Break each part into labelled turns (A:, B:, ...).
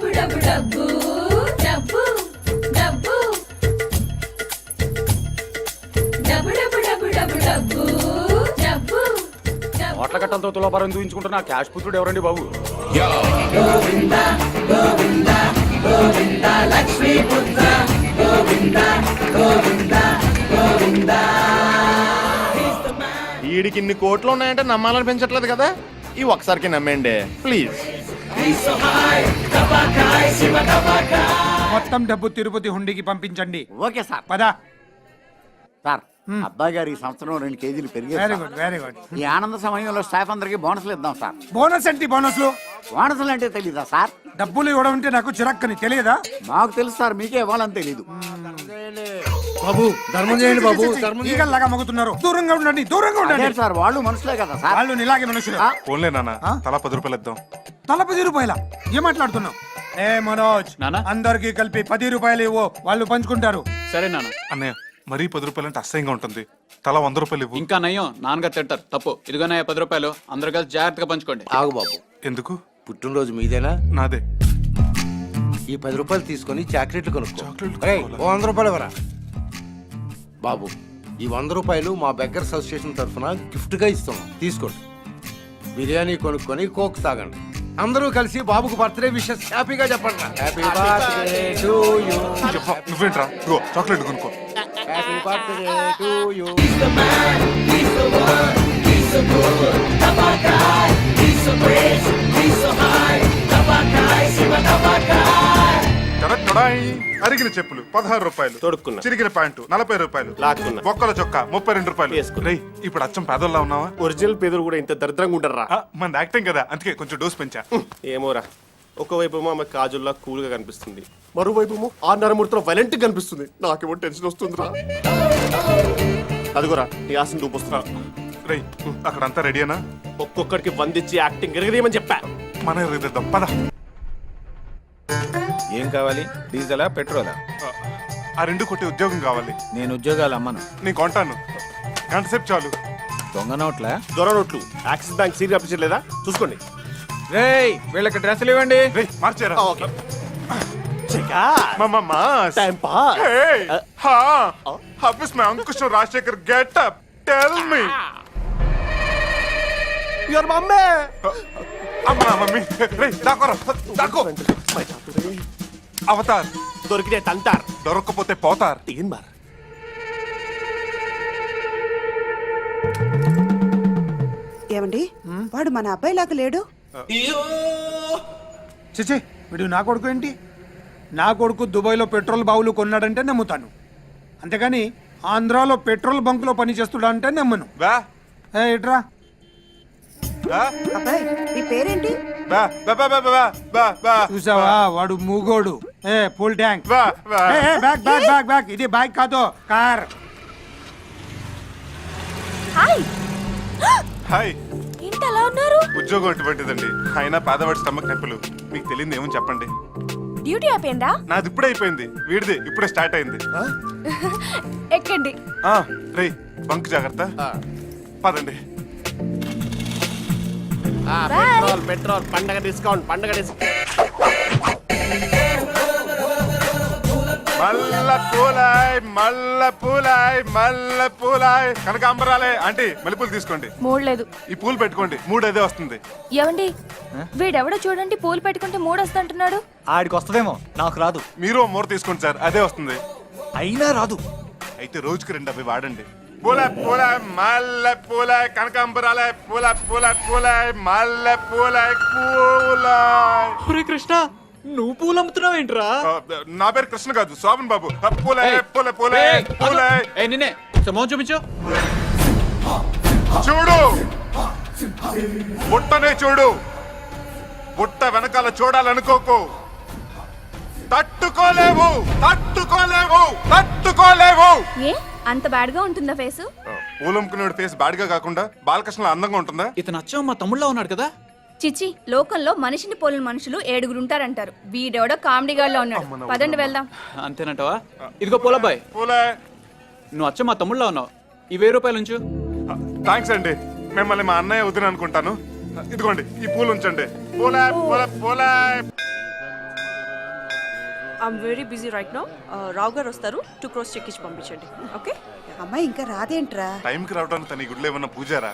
A: ఓట్ల కట్టంతో తులాభారం దూయించుకుంటున్న క్యాష్ పుత్రుడు ఎవరండి బాబు?
B: వీడికి ఇన్ని కోట్లు ఉన్నాయంటే నమ్మాలని పెంచట్లేదు కదా, ఈ ఒకసారికి నమ్మేయండి ప్లీజ్.
C: మొత్తం డబ్బు తిరుపతి హుండీకి పంపించండి.
D: Okay sir.
C: పదా.
D: సార్ అబ్బాయి గారు ఈ సంవత్సరం 2 కేజీలు పెరిగారు.
C: Very good, very good.
D: ఈ ఆనంద సమయంలో స్టాఫ్ అందరికి బోనస్లు ఇద్దాం సార్.
C: బోనస్ ఏంటి? బోనస్లు
D: బోనస్లు అంటే తెలీదా సార్?
C: డబ్బులు ఇవ్వడం అంటే నాకు చిరక్కని తెలియదా?
D: మాకు తెలుసు సార్, మీకే ఇవ్వాలని తెలీదు.
E: బాబు ధర్మం చేయండి బాబు.
C: ఈగల్లాగా మగుతున్నారు. దూరంగా ఉండండి, దూరంగా ఉండండి.
D: సార్ వాళ్ళు మనుషులే కదా సార్.
C: వాళ్ళు ఇలాగే మనుషులు.
F: ఫోన్లే నాన్న, తలా 10 రూపాయలు ఇద్దాం.
C: తల 10 రూపాయల? ఏం మాట్లాడుతున్నావు? ఏ మనోజ్, అందరికి కలిపి 10 రూపాయలు ఇవ్వు, వాళ్ళు పంచుకుంటారు.
A: సరే నాన్న.
F: అన్నయ్య మరీ 10 రూపాయలు అంటే అసహ్యంగా ఉంటుంది. తలా 100 రూపాయలు ఇవ్వు.
A: ఇంకా నయ్యం, నాన్నగారు తింటారు. తప్పు. ఇదిగోనయ్య 10 రూపాయలు, అందరు కలిసి జాగ్రత్తగా పంచుకోండి.
E: ఆగు బాబు.
F: ఎందుకు?
E: పుట్టినరోజు మీదేనా?
F: నాదే.
E: ఈ 10 రూపాయలు తీసుకొని చాక్లెట్లు కొనుక్కో.
F: చాక్లెట్లు
E: ఏయ్,
F: కొనుక్కోవాలా?
E: 100 రూపాయలు ఇవ్వరా బాబు. ఈ 100 రూపాయలు మా బెగ్గర్స్ అసోసియేషన్ తరఫున గిఫ్ట్ గా ఇస్తున్నాం, తీసుకోండి. బిర్యానీ కొనుక్కొని కోక్ తాగండి. అందరూ కలిసి బాబుకు బర్త్డే విషెస్ హ్యాపీగా చెప్పండి. Happy birthday to you.
F: చెప్పా, నువ్వేంట్రా? ఇగో చాక్లెట్ కొనుక్కో.
E: Happy birthday to you.
F: అరిగిన చెప్పులు 16 రూపాయలు,
B: తొడుక్కున్నా.
F: చిరిగిన ప్యాంటు 40 రూపాయలు,
B: లాక్కున్నా.
F: బొక్కల చొక్కా 32 రూపాయలు.
B: వేసుకున్నా.
F: రేయ్, ఇప్పుడు అచ్చం పేదోళ్ళ ఉన్నావా?
B: ఒరిజినల్ పేదలు కూడా ఇంత దరిద్రంగా ఉంటారా?
F: మన యాక్టింగ్ కదా, అందుకే కొంచెం డోస్ పెంచా.
B: ఏమోరా, ఒకవైపు ఆమె కాజుల్లా కూల్ గా కనిపిస్తుంది, మరోవైపు ఆ నరమూర్తిలో వైలెంట్ కనిపిస్తుంది. నాకేమో టెన్షన్ వస్తుందిరా. అదిగోరా నీ ఆశను చూపిస్తున్నా.
F: రేయ్, అక్కడ అంతా రెడీనా?
B: ఒక్కొక్కడికి 100 ఇచ్చి యాక్టింగ్ ఎరగదేమని చెప్పా.
F: మన ఎరగదిద్దాం పద.
G: ఏం కావాలి? డీజిలా, పెట్రోలా?
F: ఆ 2 కొట్టి ఉద్యోగం కావాలి.
G: నేను ఉద్యోగాలు అమ్మను.
F: నేను కొంటాను, గంట సేపు చాలు.
G: దొంగ నోట్లా?
B: దొర నోట్లు. యాక్సిస్ బ్యాంక్ సీరియల్ అప్పించలేదా? చూసుకోండి.
G: రేయ్, వీళ్ళకి డ్రెస్సులు ఇవ్వండి.
F: రేయ్, మార్చారా?
B: Okay.
F: Time pass. Hey, how is my Ankush Rajshekhar get up? Tell me.
B: Your mummy.
F: అమ్మా మమ్మీ. రేయ్, దాకోరా, దాకో. అవతార్.
B: దొరికితే తంతార్,
F: దొరక్కపోతే పోతార్.
B: తీన్ బార్.
H: ఏమండి, వాడు మన అబ్బాయి లాగా లేడు.
C: చిచి, వీడు నా కొడుకు ఏంటి? నా కొడుకు దుబాయ్లో పెట్రోల్ బావులు కొన్నాడంటే నమ్ముతాను, అంతేగాని ఆంధ్రాలో పెట్రోల్ బంకులో పని చేస్తుడా అంటే నమ్మను.
F: బా
C: ఇట్రా.
H: అబ్బాయి, నీ పేరేంటి?
F: బా బా బా బా బా బా బా.
C: చూసావా, వాడు మూగోడు. Full tank.
F: బా బా.
C: Back back back back. ఇది బైక్ కాదు, కార్.
I: హాయ్.
F: హాయ్.
I: ఏంటి అలా ఉన్నారు?
F: ఉద్యోగం అటువంటిదండి, అయినా పేదవాడి స్టమక్ నొప్పులు. మీకు తెలియదు ఏమని చెప్పండి.
I: డ్యూటీ అయిపోయిందా?
F: నాది ఇప్పుడే అయిపోయింది, వీడిది ఇప్పుడే స్టార్ట్ అయింది.
I: ఎక్కండి.
F: రేయ్, బంక్ జాగ్రత్త. పదండి.
B: పెట్రోల్ పెట్రోల్, పండగ డిస్కౌంట్, పండగ డిస్కౌంట్.
F: మల్ల పూలాయ్, మల్ల పూలాయ్, మల్ల పూలాయ్. కనకాంబరాలే ఆంటీ, మల్లెపూలు తీసుకోండి.
I: మూడలేదు.
F: ఈ పూలు పెట్టుకోండి, 3 అదే వస్తుంది.
I: ఏమండి, వీడెవడో చూడండి, పూలు పెట్టుకుంటే 3 వస్తుంటున్నాడు.
G: ఆడికి వస్తుందేమో, నాకు రాదు.
F: మీరు 3 తీసుకోండి సార్, అదే వస్తుంది.
G: అయినా రాదు.
F: అయితే రోజుకి 2 అవి వాడండి. పూల పూల, మల్ల పూల, కనకాంబరాలే, పూల పూల పూల, మల్ల పూల పూల.
A: కృష్ణ, నువ్వు పూలు అమ్ముతున్నావు ఏంట్రా?
F: నా పేరు కృష్ణ కాదు, శోభన్ బాబు. పూల పూల పూల పూల.
A: నిన్నే సమోహం చూపించు.
F: చూడు, బుట్టనే చూడు, బుట్ట వెనకాల చూడాలనుకోకు. తట్టుకోలేవు, తట్టుకోలేవు, తట్టుకోలేవు.
I: ఏ అంత బ్యాడ్ గా ఉంటుందా ఫేసు?
F: పూలమ్ముకునేవాడి ఫేస్ బాడిగా కాకుండా బాలకృష్ణ అందంగా ఉంటుందా?
A: ఇతను అచ్చం మా తమ్ముళ్ళ ఉన్నాడు కదా.
I: చిచ్చి, లోకంలో మనిషిని పోలిన మనుషులు 7 ఉంటారంటారు. వీడెవడో కామెడీ గాల్లో ఉన్నాడు. పదండి వెళ్దాం.
A: అంతేనంటావా? ఇదిగో పూలబ్బాయ్,
F: పూలే.
A: నువ్వు అచ్చం మా తమ్ముళ్ళ ఉన్నావు. ఈ 1000 రూపాయలు ఉంచు.
F: థ్యాంక్స్ అండి, మిమ్మల్ని మా అన్నయ్య వదిన అనుకుంటాను. ఇదిగోండి, ఈ పూలు ఉంచండి. పూలే పూలే పూలే.
J: I'm very busy right now. Rao గారు వస్తారు, 2 crores చెక్ ఇచ్చి పంపించండి. ఓకే.
H: అమ్మాయి ఇంకా రాదేంట్రా?
F: టైంకి రావడానికి తన ఈ గుడిలో ఏమన్నా Pujara?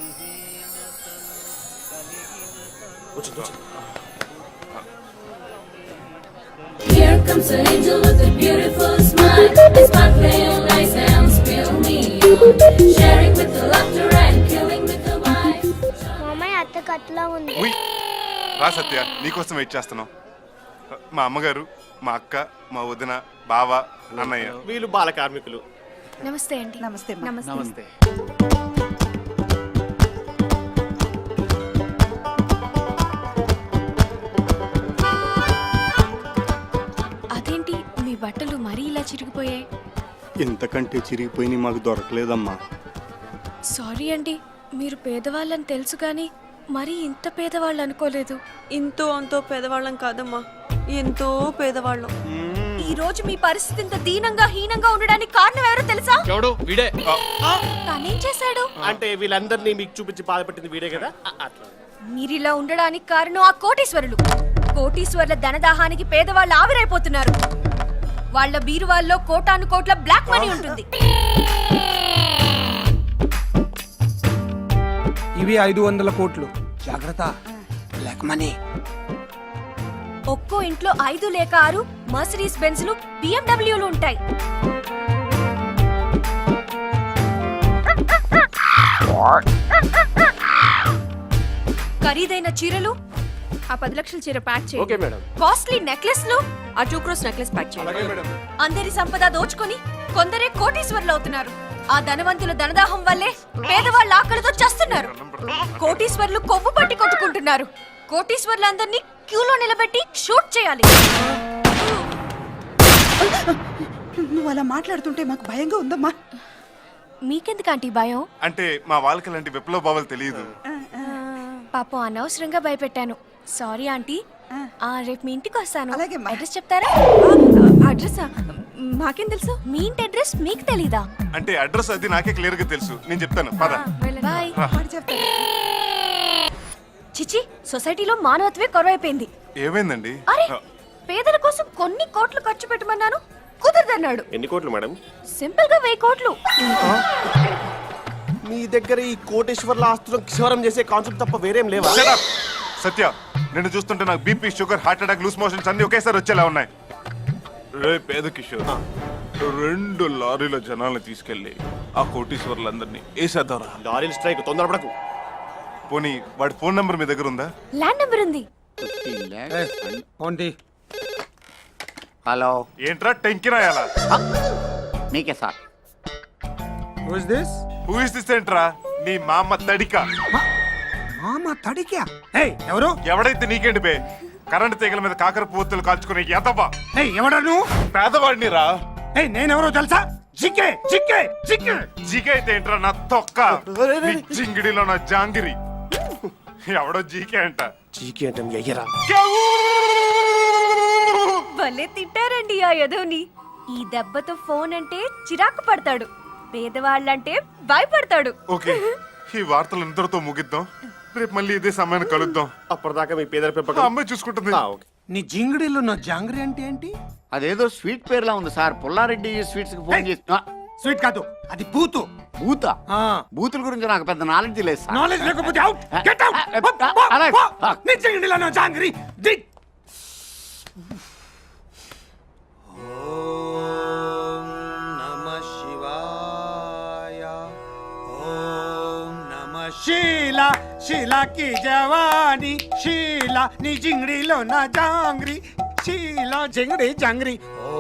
K: Here comes an angel with a beautiful smile. It's my pale nice and spill me on. Sharing with the laughter and killing with the wine.
L: మామయ్య అత్త కట్లా ఉంది.
F: ఉయ్, రా సత్య, నీకోసం వెయిట్ చేస్తున్నాం. మా అమ్మగారు, మా అక్క, మా వదిన, బావ, అన్నయ్య.
B: వీళ్ళు బాల కార్మికులు.
I: నమస్తే అండి.
H: నమస్తే అమ్మా.
A: నమస్తే.
I: అదేంటి మీ బట్టలు మరీ ఇలా చిరిగిపోయాయి?
M: ఇంతకంటే చిరిగిపోయి మాకు దొరకలేదమ్మా.
I: సారీ అండి, మీరు పేదవాళ్ళని తెలుసు కానీ మరీ ఇంత పేదవాళ్ళు అనుకోలేదు.
J: ఇంతో అంతో పేదవాళ్ళం కాదమ్మా, ఎంతో పేదవాళ్ళం.
I: ఈ రోజు మీ పరిస్థితి ఇంత దీనంగా హీనంగా ఉండడానికి కారణం ఎవరో తెలుసా?
A: ఎవడు వీడే.
I: తనేం చేశాడు?
B: అంటే వీళ్ళందరినీ మీకు చూపించి బాధపెట్టింది వీడే కదా, అట్లా.
I: మీరిలా ఉండడానికి కారణం ఆ కోటీశ్వరులు. కోటీశ్వరుల ధనదాహానికి పేదవాళ్ళు ఆవిరైపోతున్నారు. వాళ్ళ బీరువాల్లో కోటాను కోట్ల బ్లాక్ మనీ ఉంటుంది.
C: ఇవి 500 కోట్లు. జాగ్రత్త, బ్లాక్ మనీ.
I: ఒక్కో ఇంట్లో 5 లేక 6 మర్సిడీస్ బెంజ్లు, బిఎండబ్ల్యూలు ఉంటాయి. ఖరీదైన చీరలు, ఆ 10 లక్షల చీర ప్యాక్
B: ఓకే
I: చేయండి.
B: మేడం.
I: కాస్ట్లీ నెక్లెస్లు,
J: ఆ 2 crores నెక్లెస్ ప్యాక్ చేయండి.
I: అందరి సంపద దోచుకొని కొందరే కోటీశ్వరులు అవుతున్నారు. ఆ ధనవంతుల ధనదాహం వల్లే పేదవాళ్ళ ఆకలితో చస్తున్నారు. కోటీశ్వరులు కొవ్వు పట్టి కొట్టుకుంటున్నారు. కోటీశ్వరులందరినీ క్యూలో నిలబెట్టి షూట్ చేయాలి.
H: నువ్వు అలా మాట్లాడుతుంటే మాకు భయంగా ఉందమ్మా.
I: మీకెందుకు ఆంటీ భయం?
F: అంటే మా వాళ్ళకి ఇలాంటి విప్లవ భావాలు తెలియదు.
I: పాపం అనవసరంగా భయపెట్టాను. Sorry aunty. రేపు మీ ఇంటికి వస్తాను.
H: అలాగేమ్మా.
I: అడ్రస్ చెప్తారా? అడ్రస్ మాకేం తెలుసు? మీ ఇంటి అడ్రస్ మీకు తెలీదా?
F: అంటే అడ్రస్ అది నాకే క్లియర్ గా తెలుసు, నేను చెప్తాను పద.
I: బాయ్.
H: వాడు చెప్తాడు.
I: చిచి, సొసైటీలో మానవత్వే కొరవైపోయింది.
F: ఏమైందండి?
I: అరే, పేదల కోసం కొన్ని కోట్లు ఖర్చు పెట్టమన్నాను, కుదరదన్నాడు.
B: ఎన్ని కోట్లు మేడం?
I: సింపుల్ గా 1000 కోట్లు.
B: మీ దగ్గర ఈ కోటేశ్వర్ల ఆస్తులను క్షవరం చేసే కాన్సెప్ట్ తప్ప వేరేం లేవా?
F: Shut up! సత్య, నేను చూస్తుంటే నాకు BP, sugar, heart attack, loose motions అన్ని ఒకేసారి వచ్చేలా ఉన్నాయి. రే పేద కిషోర్, 2 లారీల జనాల్ని తీసుకెళ్లి ఆ కోటీశ్వర్లందరినీ వేసేద్దారా?
B: లారీల స్ట్రైక్, తొందరపడకు.
F: పోనీ వాడి ఫోన్ నంబర్ మీ దగ్గర ఉందా?
I: ల్యాండ్ నెంబర్ ఉంది.
D: 15 lakhs.
C: ఏంటి?
D: హలో,
F: ఏంట్రా టెంకి రాయాలా?
D: మీకే sir.
C: Who is this?
F: Who is this ఏంట్రా? నీ మా అమ్మ తడిక.
C: మామ తడికా? ఏయ్, ఎవరు?
F: ఎవడైతే నీకేంటి బే? కరెంట్ తీగల మీద కాకర పువ్వులు కాల్చుకునే ఎదవా.
C: ఏయ్, ఎవడా నువ్వు?
F: పేదవాడిని రా.
C: ఏయ్, నేనెవరో తెలుసా? జిక్కే జిక్కే జిక్కే.
F: జీకే అయితే ఏంట్రా నా తొక్క? నీ జింగిడిలో నా జాంగిరి. ఎవడో జీకే అంట.
B: చీకి అంటే మీ అయ్యరా.
I: భలే తిట్టారండి ఆ యదోని. ఈ దెబ్బతో ఫోన్ అంటే చిరాకు పడతాడు, పేదవాళ్ళంటే భయపడతాడు.
F: ఓకే, ఈ వార్తలు ఇంతటితో ముగిద్దాం. రేపు మళ్ళీ ఇదే సమయాన్ని కలుద్దాం.
B: అప్పటిదాకా మీ పేదల
F: ఆ
B: పెంపకం
F: అమ్మాయి చూసుకుంటుంది.
B: ఓకే.
C: నీ జింగిడిలో నా జాంగ్రీ అంటే ఏంటి?
D: అదేదో స్వీట్ పేరులా ఉంది సార్. పుల్లారెడ్డి స్వీట్స్ కి ఫోన్ చేసి
C: స్వీట్ కాదు, అది బూతు.
D: బూత. బూతుల గురించి నాకు పెద్ద నాలెడ్జ్ లేదు సార్.
C: నాలెడ్జ్ లేకపోతే అవుట్. Get out.
D: అలాగే.
C: నీ జింగిడిలో నా జాంగ్రీ. దిక్. ఓం నమః శివాయ. ఓం నమః శీలా. శీలా की జవానీ. శీలా నీ జింగిడిలో నా జాంగ్రీ. శీలా జింగిడి జాంగ్రీ.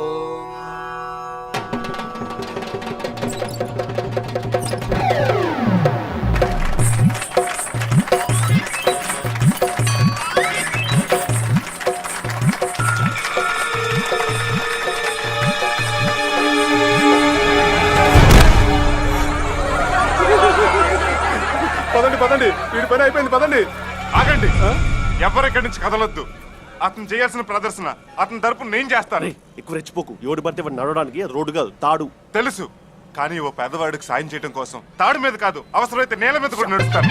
F: పదండి పదండి, వీడి పని అయిపోయింది, పదండి. ఆగండి, ఎవరెక్కడి నుంచి కదలొద్దు. అతను చేయాల్సిన ప్రదర్శన అతని తరపున నేను చేస్తాను.
B: ఎక్కువ రెచ్చిపోకు. ఎవడు పడితే వాడు నడవడానికి అది రోడ్డు కాదు, తాడు.
F: తెలుసు, కానీ ఓ పేదవాడికి సాయం చేయడం కోసం తాడు మీద కాదు, అవసరమైతే నేల మీద కూడా నడుస్తాను.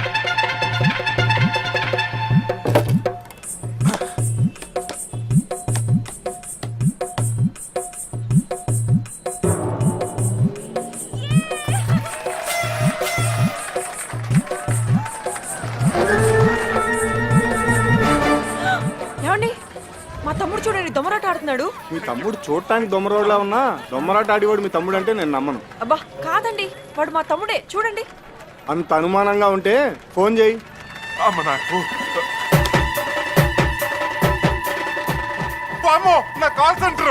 J: మా తమ్ముడు చూడండి దొమరాట ఆడుతున్నాడు.
M: మీ తమ్ముడు చూడటానికి దొమ్మరోడ్లా ఉన్నా దొమ్మరాట ఆడివాడు మీ తమ్ముడు అంటే నేను నమ్మను.
J: అబ్బా కాదండి, వాడు మా తమ్ముడే చూడండి.
M: అంత అనుమానంగా ఉంటే ఫోన్ చేయి.
F: అమ్మ నాకు అమ్మో నా కాల్ సెంటర్.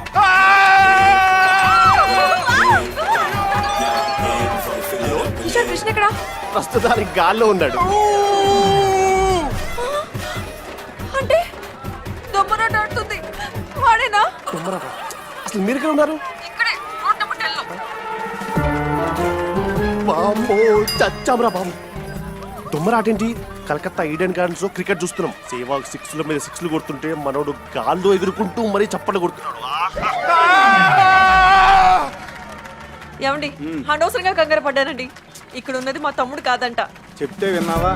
J: కిషోర్ కృష్ణ ఎక్కడా?
B: ప్రస్తుతానికి గాల్లో ఉన్నాడు.
J: అంటే దొమ్మరాట ఆడుతుంది వాడేనా?
B: దొమ్మరాట? అసలు మీరు ఎక్కడ ఉన్నారు?
J: ఇక్కడే రోడ్ నెంబర్ 10 లో.
B: బామ్మో చచ్చాంరా బాబు. దొమ్మరాటేంటి? కలకత్తా ఈడెన్ గార్డెన్స్ లో క్రికెట్ చూస్తున్నాం. సేవాగ్ 6ల మీద 6లు కొడుతుంటే మనోడు గాల్లో ఎగురుకుంటూ మరీ చప్పట్లు కొడుతున్నాడు.
J: ఏమండి అనవసరంగా కంగారు పడ్డానండి. ఇక్కడ ఉన్నది మా తమ్ముడు కాదంట.
M: చెప్తే విన్నావా?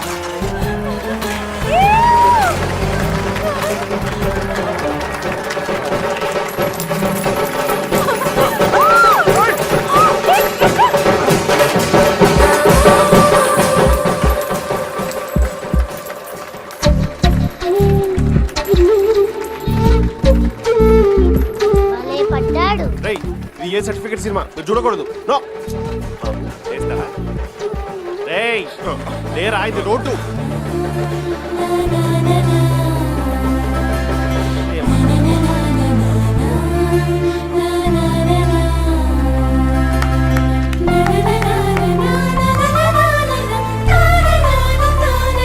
L: పడ్డాడు.
B: రేయ్ ఇది ఏ సర్టిఫికేట్ సినిమా? మీరు చూడకూడదు. నో రేయ్ లేరా ఇది రోడ్డు.